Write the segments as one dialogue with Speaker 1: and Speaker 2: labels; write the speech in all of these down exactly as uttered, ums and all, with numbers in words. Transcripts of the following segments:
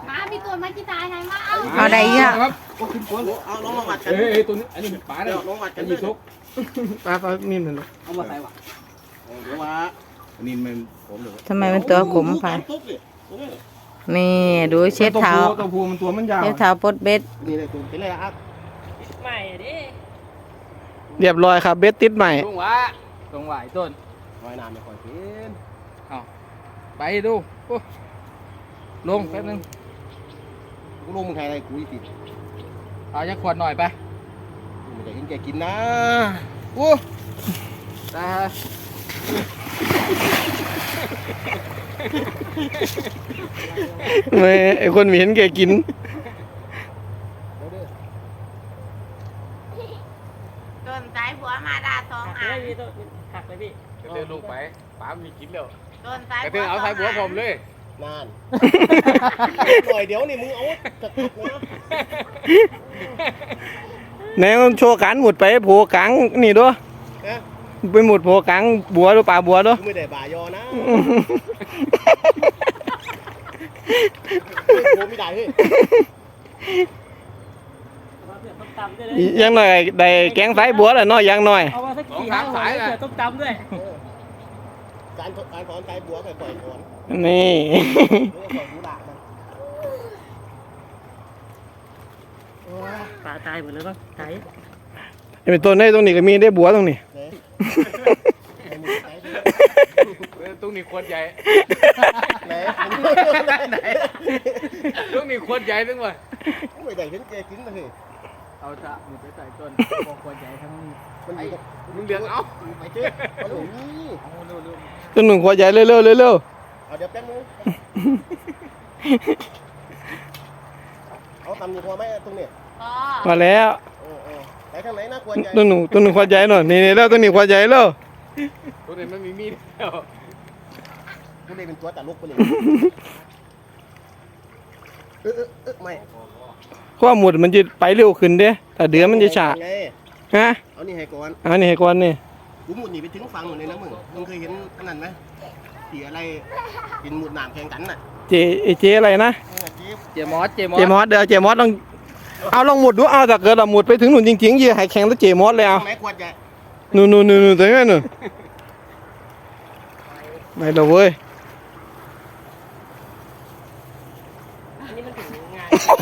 Speaker 1: มามีตัวมากี่ตายไหนมาเอา
Speaker 2: เอาได้เยอะ
Speaker 3: ครับ
Speaker 4: เอาลองมาวัดกัน
Speaker 3: เฮ้ยตัวนี้อันนี้เป็นปลาเลย
Speaker 4: ลองวัดกัน
Speaker 3: มีซุก
Speaker 5: ปลาเขานิ่มเลย
Speaker 4: เอามาใส่วะเดี๋ยวว่า
Speaker 3: อันนี้มันผมเลย
Speaker 2: ทำไมมันตัวขมไปนี่ดูเช็ดเท้า
Speaker 5: ตัวผู้มันตัวมันยาว
Speaker 2: เช็ดเท้าปดเบ็ด
Speaker 4: นี่เลยคุณเป็นไรครับ
Speaker 6: ใหม่ดิ
Speaker 5: เรียบร้อยครับเบ็ดติดใหม่
Speaker 3: ตรงหวะตรงหวะต้น
Speaker 4: คอยน้ำไม่คอยเป็น
Speaker 3: ไปดูลงแป๊บนึง
Speaker 4: กูลงมึงไทยอะไรกูอีติด
Speaker 3: เอาจะขวดหน่อยไป
Speaker 4: มึงจะเห็นแกกินนะ
Speaker 3: โอ้ตา
Speaker 5: ไม่ไอคนมีเห็นแกกิน
Speaker 1: ต้นสายบัวมาดาสอง
Speaker 6: หัก
Speaker 1: อ่ะ
Speaker 6: เลยพี่ต้นหักเลยพี่
Speaker 3: กระเทือนลงไปปลามีกินแล้ว
Speaker 1: ต้นสาย
Speaker 3: กระเทือนเอาใส่บัวผมเลย
Speaker 4: นานหน่อยเดี๋ยวนี่มึงเอาจัดนะ
Speaker 5: ไหนมันโชว์การหมุดไปโผกลางนี่ด้วยไปหมุดโผกลางบัวด้วยปลาบัวด้วย
Speaker 4: กูไม่ได้บ่ายอนะกูไม่ได้เฮ้ย
Speaker 6: เอามาเผื่อต้มตำด้วยเลย
Speaker 5: ยังหน่อยได้แกงไฟบัวแหละเนาะยังหน่อย
Speaker 6: เอามาสักกี่ห้าหัวเลยเผื่อต้มตำด้วย
Speaker 4: การการถอนใจบัวค่อยๆถอน
Speaker 5: นี่
Speaker 4: แล้วก็ถอนหูด่างมัน
Speaker 6: ปลาตายหมดเลยป่ะตาย
Speaker 5: เป็นต้นได้ตรงนี้ก็มีได้บัวตรงนี้
Speaker 3: ตรงนี้ขวดใหญ่
Speaker 4: ไหนไหน
Speaker 3: ตรงนี้ขวดใหญ่นึงวะ
Speaker 4: ไม่ได้เห็นแกกินนะเฮ้ย
Speaker 3: เอาจะมึงไปใส่ต้นขวดใหญ่ทั้งนี้
Speaker 4: มันอยู่กับ
Speaker 3: มึงเดือดเอา
Speaker 4: ไปเจ๊เอาหนูนี่
Speaker 3: เอาเร็ว
Speaker 5: ต้นหนึ่งขวดใหญ่เร็วๆเร็ว
Speaker 4: เอาเดี๋ยวแป๊บนึงเอาทำอยู่พอไหมตรงนี้
Speaker 1: พอ
Speaker 5: ๆมาแล้ว
Speaker 4: เออเออไปทางไหนนะควรใจ
Speaker 5: ต้นหนึ่งต้นหนึ่งขวดใหญ่หน่อยนี่ๆแล้วต้นนี้ขวดใหญ่แล้ว
Speaker 3: ตัวนี้มันมีมีดแล้ว
Speaker 4: กูเลยเป็นตัวตลกไปเลยเออเออเออไม่
Speaker 5: ข้อหมุดมันจะไปเร็วขึ้นเด้แต่เดือมันจะช้า
Speaker 4: ไง
Speaker 5: ฮะ
Speaker 4: เอานี่ให้ก่อน
Speaker 5: อันนี้ให้ก่อนนี่
Speaker 4: กูหมุดหนีไปถึงฝั่งหมดเลยนะมึงมึงเคยเห็นอันนั้นไหมที่อะไรกินหมุดหนามแข่งกันน่ะ
Speaker 5: เจเจอะไรนะ
Speaker 4: เออเจ๊
Speaker 3: เจมอสเจมอ
Speaker 5: เจ
Speaker 3: ส
Speaker 5: มอสเดี๋ยวเจมอสต้องเอาลองหมุดดูเอาถ้าเกิดเราหมุดไปถึงหนุนจริงๆยืนให้แข่งแล้วเจมอสเลยเอา
Speaker 4: ไม้ควรใจ
Speaker 5: นู่นนู่นนู่นนู่นตรงนั้นนู่นไม่ละเว้ย
Speaker 6: อันนี้มันถึงงาน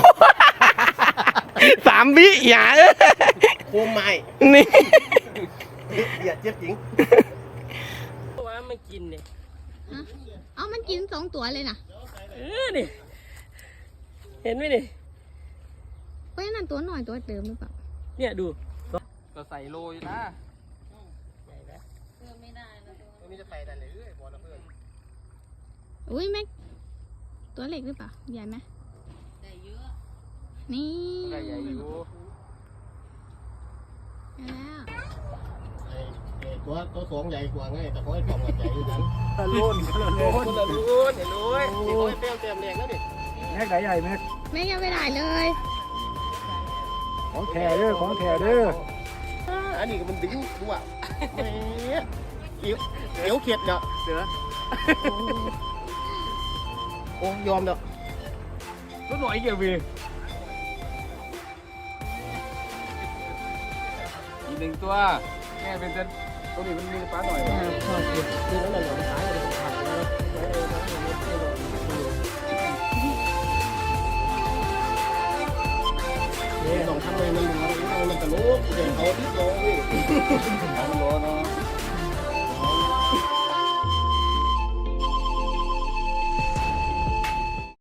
Speaker 5: สามวิอย่าเอ้ย
Speaker 4: โคมไม้
Speaker 5: นี่
Speaker 4: เดียดเจ็บจริง
Speaker 6: ว่ามันกินเนี่ย
Speaker 1: เอามันกินสองตัวเลยนะ
Speaker 6: เออนี่เห็นไหมนี่
Speaker 1: เพราะฉะนั้นตัวหน่อยตัวเติมหรือเปล่า
Speaker 6: เนี่ยดู
Speaker 3: ก็ใส่โรยนะ
Speaker 4: ตรงนี้จะใส่ได้เลยบอลนะเพื่อน
Speaker 1: อุ้ยแม็กตัวเล็กหรือเปล่าใหญ่ไหมใหญ่เยอะนี่
Speaker 3: ก็ใหญ่อยู่
Speaker 1: แล้ว
Speaker 4: ตัวตัวสองใหญ่กว่าไงแต่เขาให้กล่องใหญ่อยู่นั้น
Speaker 3: ตะลุนตะลุนตะลุนเห็นเลย
Speaker 4: โอ้ยเต็มเต็มแรงแล้วนี่
Speaker 5: แม็กใหญ่แม็ก
Speaker 1: แม็กยังไม่ได้เลย
Speaker 5: ของแท้เด้อของแท้เด้อ
Speaker 4: อันนี้ก็มันดึงดูอ่ะแหมเขียวเขียวเขียดเนาะ
Speaker 3: เสือ
Speaker 4: โอ้ยอมเนาะ
Speaker 3: ตัวหน่อยเกี่ยววีอีกหนึ่งตัวแม่เป็นเส้นตัวนี้มันมีปลาหน่อย
Speaker 4: คือนั่นแหละหนอนสายเลยขาดเลยเนี่ยลองทำเลยมันมันมันตลกเดี๋ยวเขาดิบลงพี่
Speaker 3: มันร้อนเนาะ